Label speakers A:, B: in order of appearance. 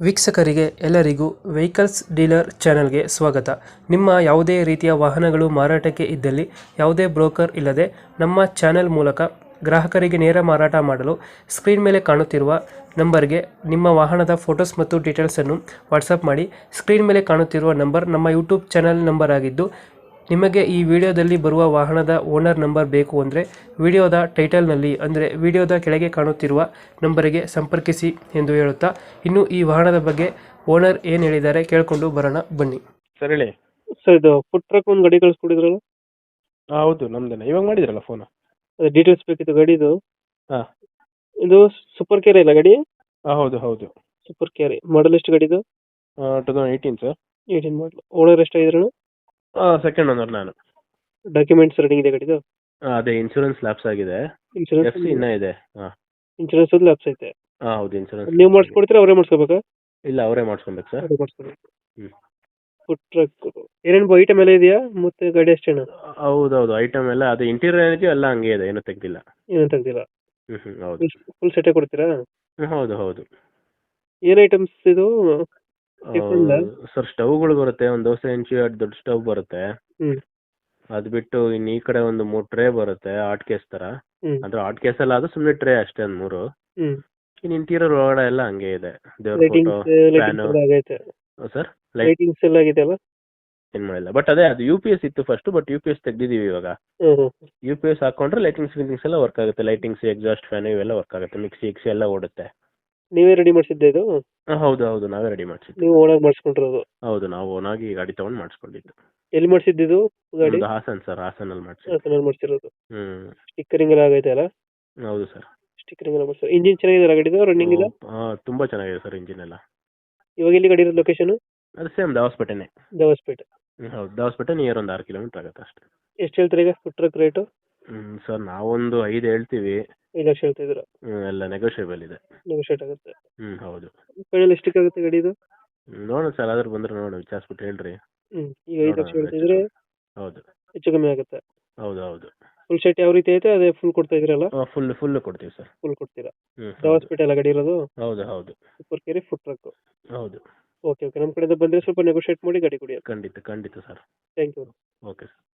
A: ವೀಕ್ಷಕರಿಗೆ ಎಲ್ಲರಿಗೂ vehicles dealer ಚಾನೆಲ್ಗೆ ಸ್ವಾಗತ. ನಿಮ್ಮ ಯಾವುದೇ ರೀತಿಯ ವಾಹನಗಳು ಮಾರಾಟಕ್ಕೆ ಇದ್ದಲ್ಲಿ ಯಾವುದೇ ಬ್ರೋಕರ್ ಇಲ್ಲದೆ ನಮ್ಮ ಚಾನೆಲ್ ಮೂಲಕ ಗ್ರಾಹಕರಿಗೆ ನೇರ ಮಾರಾಟ ಮಾಡಲು ಸ್ಕ್ರೀನ್ ಮೇಲೆ ಕಾಣುತ್ತಿರುವ ನಂಬರ್ಗೆ ನಿಮ್ಮ ವಾಹನದ ಫೋಟೋಸ್ ಮತ್ತು ಡೀಟೇಲ್ಸನ್ನು ವಾಟ್ಸಪ್ ಮಾಡಿ. ಸ್ಕ್ರೀನ್ ಮೇಲೆ ಕಾಣುತ್ತಿರುವ ನಂಬರ್ ನಮ್ಮ ಯೂಟ್ಯೂಬ್ ಚಾನೆಲ್ ನಂಬರ್ ಆಗಿದ್ದು, ನಿಮಗೆ ಈ ವಿಡಿಯೋದಲ್ಲಿ ಬರುವ ವಾಹನದ ಓನರ್ ನಂಬರ್ ಬೇಕು ಅಂದರೆ ವಿಡಿಯೋದ ಟೈಟಲ್ನಲ್ಲಿ ಅಂದರೆ ವಿಡಿಯೋದ ಕೆಳಗೆ ಕಾಣುತ್ತಿರುವ ನಂಬರಿಗೆ ಸಂಪರ್ಕಿಸಿ ಎಂದು ಹೇಳುತ್ತಾ, ಇನ್ನು ಈ ವಾಹನದ ಬಗ್ಗೆ ಓನರ್ ಏನು ಹೇಳಿದ್ದಾರೆ ಕೇಳಿಕೊಂಡು ಬರೋಣ ಬನ್ನಿ.
B: ಸರ್ ಹೇಳಿ.
A: ಸರ್, ಇದು ಫುಡ್ ಟ್ರಕ್ ಒಂದು ಗಾಡಿ ಕಳಿಸ್ಕೊಡಿದ್ರಲ್ಲ,
B: ಹೌದು ನಮ್ದೇನೆ. ಇವಾಗ ಮಾಡಿದ್ರಲ್ಲ ಫೋನ್.
A: ಅದು ಡೀಟೇಲ್ಸ್ ಬೇಕಿತ್ತು ಗಾಡಿದು.
B: ಹಾಂ
A: ಇದು ಸೂಪರ್ ಕೇರ್ ಇಲ್ಲ ಗಾಡಿ?
B: ಹೌದು ಹೌದು.
A: Super care. ಮಾಡಲ್ ಎಷ್ಟು ಗಾಡಿದು?
B: 2018 ಸರ್.
A: 18 ಮಾಡಲ್. ಓನರ್ ಎಷ್ಟಾಗಿದ್ರು?
B: ಸೆಕೆಂಡ್ ಓನರ್ ನಾನು.
A: ಡಾಕ್ಯುಮೆಂಟ್ಸ್ ರನ್ನಿಂಗ್ ಇದೆ ಗಾಡಿದು?
B: ಅದೇ ಇನ್ಶೂರೆನ್ಸ್ ಲ್ಯಾಪ್ಸ್ ಆಗಿದೆ.
A: ಇನ್ಶೂರೆನ್ಸ್
B: FC ಇನ್ನೂ ಇದೆ. ಹಾಂ
A: ಇನ್ಶೂರೆನ್ಸ್ ಲ್ಯಾಪ್ಸ್ ಐತೆ.
B: ಹೌದು ಇನ್ಶೂರೆನ್ಸ್.
A: ನೀವು ಮಾಡಿಸ್ಕೊಡ್ತೀರಾ ಅವರೇ ಮಾಡಿಸ್ಕೋಬೇಕಾ?
B: ಇಲ್ಲ, ಅವರೇ ಮಾಡಿಸ್ಕೊಬೇಕು ಸರ್.
A: ಅವರೇ ಮಾಡಿಸ್ಕೋಬೇಕು.
B: ಹ್ಞೂ.
A: ಫುಡ್ ಟ್ರಕ್ ಏನೇನು ಐಟಮ್ ಎಲ್ಲ ಇದೆಯಾ ಮತ್ತೆ ಗಾಡಿ ಅಷ್ಟೇನಾ?
B: ಹೌದೌದು, ಐಟಮ್ ಎಲ್ಲ ಅದು ಇಂಟೀರಿಯರ್ ಏನಿದೆಯೋ ಎಲ್ಲ ಹಂಗೆ ಇದೆ, ಏನೂ ತೆಗ್ದಿಲ್ಲ.
A: ಏನು ತೆಗ್ದಿಲ್ಲ?
B: ಹೌದು.
A: ಫುಲ್ ಸೆಟ್ಟೇ ಕೊಡ್ತೀರಾ?
B: ಹೌದು ಹೌದು.
A: ಏನು ಐಟಮ್ಸ್ ಇದು? ಟಿಫನ್?
B: ಸರ್ ಸ್ಟವ್ಗಳು ಬರುತ್ತೆ, ಒಂದು ದೋಸೆ ಹೆಂಚು, ಎರಡು ದೊಡ್ಡ ಸ್ಟವ್ ಬರುತ್ತೆ.
A: ಹ್ಮ್
B: ಅದು ಬಿಟ್ಟು ಇನ್ನು ಈ ಕಡೆ ಒಂದು 3 ಟ್ರೇ ಬರುತ್ತೆ, ಆಟ್ ಕೇಸ್ ಥರ.
A: ಹ್ಮ್
B: ಅಂದ್ರೆ ಆಟ್ ಕೇಸ್ ಅಲ್ಲ, ಅದು ಸುಮ್ಮನೆ ಟ್ರೇ ಅಷ್ಟೇ, ಒಂದು 3.
A: ಹ್ಮ್
B: ಇನ್ನು ಇಂಟೀರಿಯರ್ ಒಳಗಡೆ ಎಲ್ಲ ಹಂಗೆ ಇದೆ. ದೇವ್ರ ಫೋಟೋ,
A: ಲೈಟಿಂಗ್ಸ್
B: ಫ್ಯಾನು.
A: ಎಲ್ಲ ಆಗೈತೆ.
B: ಸರ್ ಲೈಟ್
A: ಲೈಟಿಂಗ್ಸ್ ಎಲ್ಲ ಆಗಿದೆ ಅಲ್ಲ?
B: ಏನು ಮಾಡಿಲ್ಲ, ಬಟ್ ಅದೇ ಅದು UPS ಇತ್ತು ಫಸ್ಟ್, ಬಟ್ UPS ತೆಗ್ದಿದ್ದೀವಿ ಇವಾಗ.
A: ಹ್ಮ್
B: UPS ಹಾಕೊಂಡ್ರೆ ಲೈಟಿಂಗ್ಸ್ ಎಲ್ಲ ವರ್ಕ್ ಆಗುತ್ತೆ. ಲೈಟಿಂಗ್ಸ್, ಎಕ್ಸಾಸ್ಟ್ ಫ್ಯಾನ್ ಇವೆಲ್ಲ ವರ್ಕ್ ಆಗುತ್ತೆ. ಮಿಕ್ಸಿ ಎಲ್ಲ ಓಡುತ್ತೆ.
A: ನೀವೇ ರೆಡಿ ಮಾಡಿಸಿದ್ದೆ ಇದು?
B: ಹೌದು ಹೌದು, ನಾವೇ ರೆಡಿ ಮಾಡಿಸಿದ್ದು.
A: ನೀವು ಓನಾಗಿ ಮಾಡಿಸ್ಕೊಂಡಿರೋದು?
B: ಹೌದು, ನಾವು ಓನಾಗಿ ಗಾಡಿ ತೊಗೊಂಡು ಮಾಡಿಸ್ಕೊಂಡಿದ್ದು.
A: ಎಲ್ಲಿ ಮಾಡಿಸಿದ್ದು ಗಾಡಿ?
B: ನಮ್ದು ಹಾಸನ್ ಸರ್, ಹಾಸನಲ್ಲಿ ಮಾಡಿಸಿದ್ದು.
A: ಹಾಸನಲ್ಲಿ ಮಾಡಿಸಿರೋದು.
B: ಹ್ಮ್.
A: ಸ್ಟಿಕ್ಕರಿಂಗ್ ಎಲ್ಲ ಆಗೈತೆ ಅಲ್ಲ?
B: ಹೌದು ಸರ್.
A: ಸ್ಟಿಕ್ಕರಿಂಗ್ ಎಲ್ಲ ಮಾಡಿಸಿ. ಇಂಜಿನ್ ಚೆನ್ನಾಗಿದೆ ಗಾಡಿದು? ರನ್ನಿಂಗ್ ಇದೆ?
B: ತುಂಬ ಚೆನ್ನಾಗಿದೆ ಸರ್ ಇಂಜಿನ್ ಎಲ್ಲ.
A: ಇವಾಗ ಎಲ್ಲಿ ಗಾಡಿ ಇರೋದು ಲೊಕೇಶನ್?
B: ಅದು ಸೇಮ್ ದಾವಸ್ಪೇಟೆನೇ.
A: ದೇವಸ್ಪೇಟೆ.
B: ಹೌದು, ದಾವಸ್ಪೇಟೆ ನಿಯರ್ ಒಂದು 6 ಕಿಲೋಮೀಟರ್ ಆಗುತ್ತೆ ಅಷ್ಟೇ.
A: ಎಷ್ಟು ಹೇಳ್ತೀರಾ ಈಗ ಫುಡ್ ಟ್ರಕ್ ರೇಟು?
B: ಸರ್ ನಾವೊಂದು 5 ಹೇಳ್ತೀವಿ.
A: 5 ಲಕ್ಷ ಹೇಳ್ತಿದ್ದೀರಾ?
B: ಎಲ್ಲ ನೆಗೋಷಿಯಬಲ್ ಇದೆ.
A: ನೆಗೋಷಿಯೇಟ್ ಆಗುತ್ತೆ.
B: ಹೌದು.
A: ಫೈನಲ್ ಎಷ್ಟಕ್ಕೆ ಆಗುತ್ತೆ ಗಾಡಿದು?
B: ನೋಡೋಣ ಸರ್, ಆದ್ರೆ ಬಂದ್ರೆ ನೋಡೋಣ, ವಿಚಾರಿಸ್ಬಿಟ್ಟು ಹೇಳ್ರಿ.
A: ಈಗ 5 ಲಕ್ಷ ಹೇಳ್ತಿದ್ರೆ
B: ಹೌದು.
A: ಹೆಚ್ಚು ಕಮ್ಮಿ ಆಗುತ್ತೆ.
B: ಹೌದು ಹೌದು.
A: ಫುಲ್ ಸೆಟ್ ಯಾವ ರೀತಿ ಐತೆ ಅದೇ ಫುಲ್ ಕೊಡ್ತಾ ಇದ್ರಲ್ಲ?
B: ಫುಲ್ ಕೊಡ್ತೀವಿ ಸರ್.
A: ಫುಲ್ ಕೊಡ್ತೀರಾ?
B: ಹೌದು.
A: ದೇವಸ್ಪೇಟೆ ಎಲ್ಲ ಗಾಡಿ ಇರೋದು?
B: ಹೌದು ಹೌದು.
A: Super carry food truck.
B: ಹೌದು.
A: ಓಕೆ ಓಕೆ, ನಮ್ಮ ಕಡೆಯಿಂದ ಬಂದರೆ ಸ್ವಲ್ಪ ನೆಗೋಷಿಯೇಟ್ ಮಾಡಿ ಗಾಡಿ ಕೊಡಿ.
B: ಖಂಡಿತ ಖಂಡಿತ sir.
A: Thank you.
B: Okay sir.